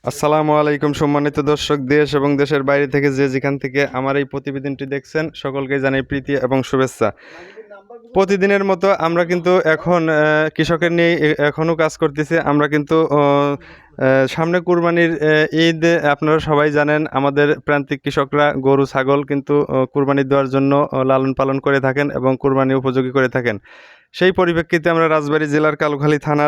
আসসালামু আলাইকুম সম্মানিত দর্শক, দেশ এবং দেশের বাইরে থেকে যে যেখান থেকে আমার এই প্রতিবেদনটি দেখছেন সকলকে জানাই প্রীতি এবং শুভেচ্ছা। প্রতিদিনের মতো আমরা কিন্তু এখন কৃষকের নিয়ে এখনও কাজ করতেছি। আমরা কিন্তু সামনে কুরবানির ঈদ, আপনারা সবাই জানেন আমাদের প্রান্তিক কৃষকরা গরু ছাগল কিন্তু কুরবানি দেওয়ার জন্য লালন পালন করে থাকেন এবং কুরবানি উপযোগী করে থাকেন। সেই পরিপ্রেক্ষিতে আমরা রাজবাড়ী জেলার কালুখালী থানার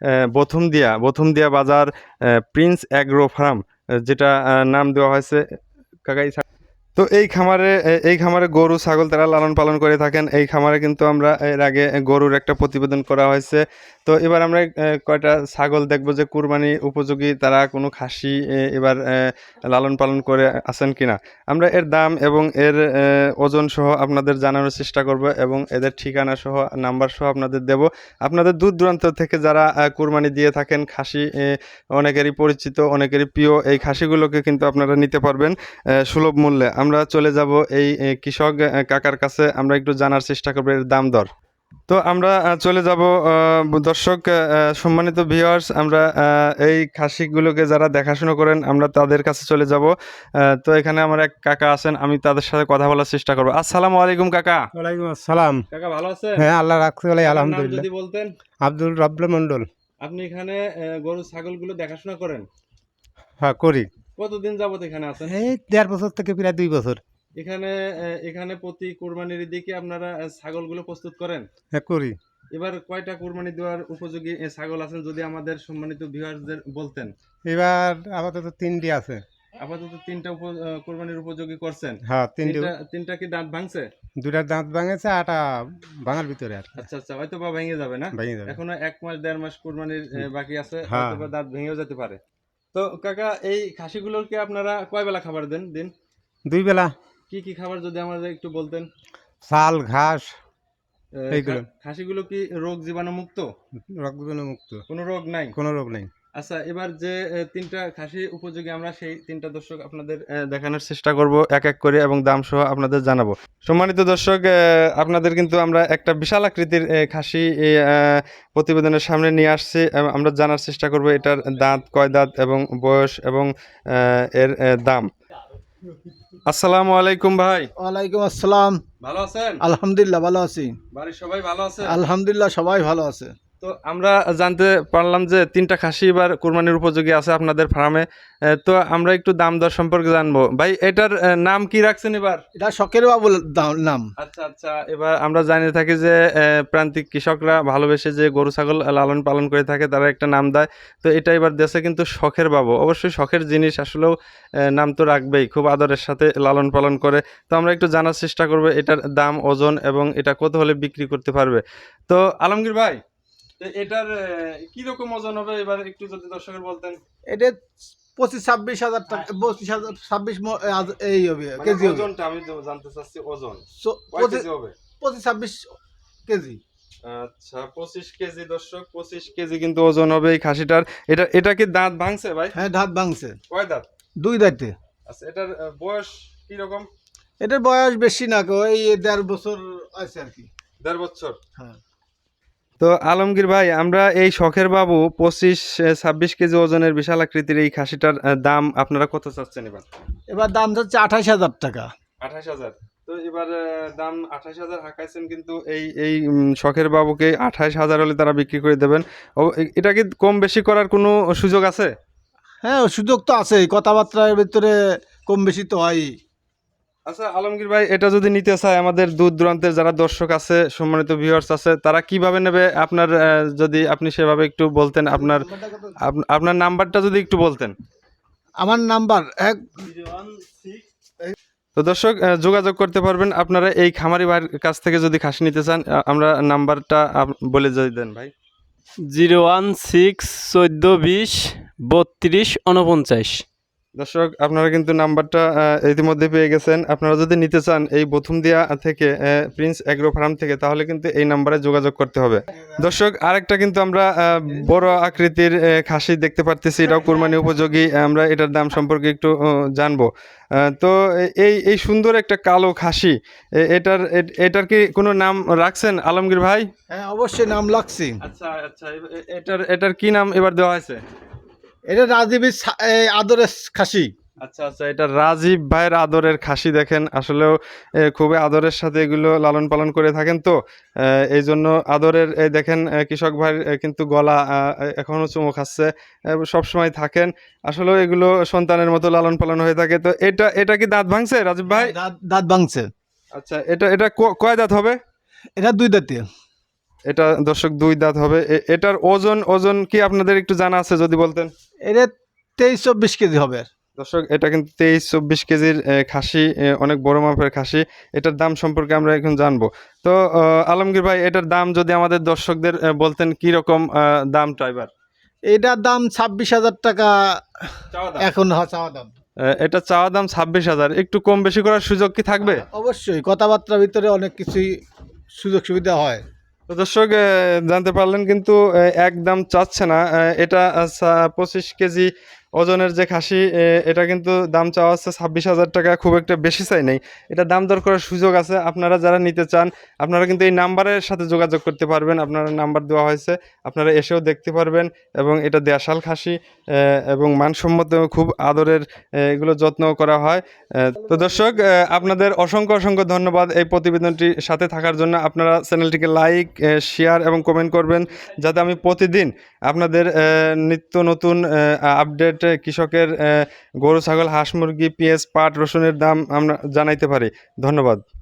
বথুমদিয়া বাজার প্রিন্স অ্যাগ্রো ফার্ম, যেটা নাম দেওয়া হয়েছে কাকাই। তো এই খামারে গরু ছাগল তারা লালন পালন করে থাকেন। এই খামারে কিন্তু আমরা এর আগে গরুর একটা প্রতিবেদন করা হয়েছে। তো এবার আমরা কয়টা ছাগল দেখবো যে কুরবানি উপযোগী, তারা কোনো খাসি এবার লালন পালন করে আছেন কিনা। আমরা এর দাম এবং এর ওজন সহ আপনাদের জানানোর চেষ্টা করব এবং এদের ঠিকানা সহ নাম্বার সহ আপনাদের দেব। আপনাদের দূর দূরান্ত থেকে যারা কুরবানি দিয়ে থাকেন, খাসি অনেকেরই পরিচিত, অনেকেরই প্রিয়, এই খাসিগুলোকে কিন্তু আপনারা নিতে পারবেন সুলভ মূল্যে। আমরা চলে যাব এই কৃষক কাকার কাছে, আমরা একটু জানার চেষ্টা করব এর দাম দর। তো আমরা চলে যাব দর্শক, সম্মানিত ভিউয়ার্স, আমরা এই খাসিগুলোকে যারা দেখাশোনা করেন আমরা তাদের কাছে চলে যাব। তো এখানে আমার এক কাকা আছেন, আমি তাদের সাথে কথা বলার চেষ্টা করব। আসসালামু আলাইকুম কাকা। ওয়ালাইকুম আসসালাম। কাকা ভালো আছেন? হ্যাঁ, আল্লাহ রাখতে বলে আপনার নাম আলহামদুলিল্লাহ। যদি বলতেন। আব্দুল রব্বে মন্ডল। আপনি এখানে গরু ছাগলগুলো দেখাশোনা করেন? হ্যাঁ, করি। কতদিন যাবত এখানে আছেন? এই 1.5 বছর থেকে প্রায় 2 বছর। এখানে প্রতি কুরবানির দিকে আপনারা ছাগলগুলো প্রস্তুত করেন? হ্যাঁ, করি। এবার কয়টা কুরবানি দেওয়ার উপযোগী ছাগল আছেন যদি আমাদের সম্মানিত ভিউয়ারদের বলতেন। এবার আপাতত 3টি আছে। আপাতত তিনটা কুরবানির উপযোগী করছেন। হ্যাঁ, 3টি। তিনটা কি দাঁত ভাঙছে? 2টার দাঁত ভাঙেছে, 8টা ভাঙার ভিতরে আর কি। আচ্ছা আচ্ছা, হয়তো বা ভেঙে যাবে না? ভেঙে যাবে। এখনো 1 মাস 1.5 মাস কুরবানির বাকি আছে, হ্যাঁ। হয়তো বা দাঁত ভেঙেও যেতে পারে। তো কাকা, এই খাসিগুলোকে আপনারা কয় বেলা খাবার দেন দিন? 2 বেলা। কি কি খাবার যদি আমাদের একটু বলতেন। চাল, ঘাস এইগুলো। খাসিগুলো কি রোগ জীবাণু মুক্ত? রোগজীবাণু মুক্ত। কোনো রোগ নাই? কোনো রোগ নেই। আচ্ছা, এবার যে তিনটা খাসি উপযোগী, আমরা সেই তিনটা দর্শক আপনাদের দেখানোর চেষ্টা করব এক এক করে এবং দাম সহ আপনাদের জানাবো। সম্মানিত দর্শক, আপনাদের কিন্তু আমরা একটা বিশাল আকৃতির খাসি প্রতিবেদনের সামনে নিয়ে আসছি। আমরা জানার চেষ্টা করব এটার দাঁত কয় দাঁত এবং বয়স এবং এর দাম। আসসালামু আলাইকুম ভাই। ওয়ালাইকুম আসসালাম। ভালো আছেন? আলহামদুলিল্লাহ ভালো আছি। বাড়ির সবাই ভালো আছে? আলহামদুলিল্লাহ সবাই ভালো আছে। তো আমরা জানতে পারলাম যে তিনটা খাসি এবার কুরবানির উপযোগী আছে আপনাদের ফার্মে। তো আমরা একটু দাম দর সম্পর্কে জানবো। ভাই, এটার নাম কি রাখছেন এবার? এটা শখের বাবুর নাম। আচ্ছা আচ্ছা, এবার আমরা জানি থাকি যে প্রান্তিক কৃষকরা ভালোবেসে যে গরু ছাগল লালন পালন করে থাকে তারা একটা নাম দেয়। তো এটা এবার দেশে কিন্তু শখের বাবু, অবশ্যই শখের জিনিস, আসলেও নাম তো রাখবেই, খুব আদরের সাথে লালন পালন করে। তো আমরা একটু জানার চেষ্টা করবো এটার দাম, ওজন এবং এটা কত হলে বিক্রি করতে পারবে। তো আলমগীর ভাই, তো এটার কি রকম ওজন হবে এবার একটু যদি দর্শকের বলতেন। এটা 25-26 হাজার টাকা, 25-26 এই হবে মানে কেজি হবে। ওজনটা আমি জানতে চাচ্ছি, ওজন কয় কেজি হবে? 25-26 কেজি। আচ্ছা, 25 কেজি দর্শক, 25 কেজি কিন্তু ওজন হবে এই খাসিটার। এটা কি দাঁত ভাঙছে ভাই? হ্যাঁ, দাঁত ভাঙছে। কয় দাঁত? 2 দাঁতে। আচ্ছা, এটার বয়স কি রকম? এটার বয়স বেশি না, ওই 1.5 বছর আছে আর কি। 1.5 বছর। হ্যাঁ। তো আলমগীর ভাই, আমরা এই শখের বাবু 25-26 কেজি ওজনের বিশাল আকৃতির এই খাসিটার দাম আপনারা কত চাচ্ছেন এবার? এবার দাম যাচ্ছে 28,000 টাকা। 28,000। তো এবার দাম 28,000 হাঁকাইছেন, কিন্তু এই এই শখের বাবুকে 28,000 হলে তারা বিক্রি করে দেবেন। এটা কি কম বেশি করার কোনো সুযোগ আছে? হ্যাঁ, সুযোগ তো আছে, কথাবার্তার ভিতরে কম বেশি তো হয়ই। আচ্ছা আলমগীর ভাই, এটা যদি নিতে চায় আমাদের দূর দূরান্তের যারা দর্শক আছে, সম্মানিত ভিউয়ার্স আছে, তারা কিভাবে নেবে? আপনার যদি আপনি সেভাবে একটু বলতেন, আপনার নাম্বারটা যদি একটু বলতেন। আমার নাম্বার 1। তো দর্শক, যোগাযোগ করতে পারবেন আপনারা এই খামারি ভাইয়ের কাছ থেকে যদি খাসি নিতে চান। আমরা নাম্বারটা বলে যদি দেন ভাই। 016-14-20-32-49। দর্শক, আপনারা কিন্তু নাম্বারটা ইতিমধ্যে পেয়ে গেছেন। আপনারা যদি নিতে চান এই বথুমদিয়া থেকে প্রিন্স অ্যাগ্রো ফার্ম থেকে, তাহলে কিন্তু এই নাম্বারে যোগাযোগ করতে হবে। দর্শক, আরেকটা কিন্তু আমরা বড় আকৃতির খাসি দেখতে পারতেছি, এটাও কুরবানি উপযোগী। আমরা এটার দাম সম্পর্কে একটু জানবো। তো এই সুন্দর একটা কালো খাসি, এটার কি কোনো নাম রাখছেন আলমগীর ভাই? হ্যাঁ, অবশ্যই নাম লাগছে। আচ্ছা আচ্ছা, এটার কি নাম এবার দেওয়া হয়েছে? এটা রাজীবের আদরের খাসি। আচ্ছা আচ্ছা, এটা রাজীব ভাইয়ের আদরের খাসি। দেখেন আসলেও খুবই আদরের সাথে এগুলো লালন পালন করে থাকেন, তো এই জন্য আদরের। এই দেখেন কৃষক ভাই কিন্তু গলা এখনো চুমু খাচ্ছে, সবসময় থাকেন। আসলেও এগুলো সন্তানের মতো লালন পালন হয়ে থাকে। তো এটা এটা কি দাঁত ভাঙছে রাজীব ভাই? দাঁত দাঁত ভাঙছে। আচ্ছা, এটা এটা কয় দাঁত হবে? এটা 2 দাঁতে। এটা দর্শক 2 দাঁত হবে। এটার ওজন ওজন কি আপনাদের একটু জানা আছে যদি বলতেন? এটা 23-24 কেজি হবে। দর্শক, এটা কিন্তু 23-24 কেজির খাসি, অনেক বড় মাপের খাসি। এটার দাম সম্পর্কে আমরা এখন জানবো। তো আলমগীর ভাই, এটার দাম যদি আমাদের দর্শকদের বলতেন কি রকম দামটা এবার? এটার দাম 26,000 টাকা এখন চাওয়া দাম। এটা চাওয়া দাম 26,000। একটু কম বেশি করার সুযোগ কি থাকবে? অবশ্যই কথাবার্তার ভিতরে অনেক কিছুই সুযোগ সুবিধা হয়। তো দর্শক, জানতে পারলেন কিন্তু একদম চাচ্ছে না। এটা 25 কেজি ওজনের যে খাসি, এটা কিন্তু দাম চাওয়া হচ্ছে 26,000 টাকা। খুব একটা বেশি চাই নেই, এটা দাম দর করার সুযোগ আছে। আপনারা যারা নিতে চান, আপনারা কিন্তু এই নাম্বারের সাথে যোগাযোগ করতে পারবেন। আপনারা নাম্বার দেওয়া হয়েছে, আপনারা এসেও দেখতে পারবেন। এবং এটা দেশাল খাসি এবং মানসম্মত, খুব আদরের, এগুলো যত্ন করা হয়। তো দর্শক, আপনাদের অসংখ্য অসংখ্য ধন্যবাদ এই প্রতিবেদনটি সাথে থাকার জন্য। আপনারা চ্যানেলটিকে লাইক, শেয়ার এবং কমেন্ট করবেন, যাতে আমি প্রতিদিন আপনাদের নিত্য নতুন আপডেট কৃষকের গরু ছাগল হাঁস মুরগি পেঁয়াজ পাট রসুনের দাম আমরা জানাইতে পারি। ধন্যবাদ।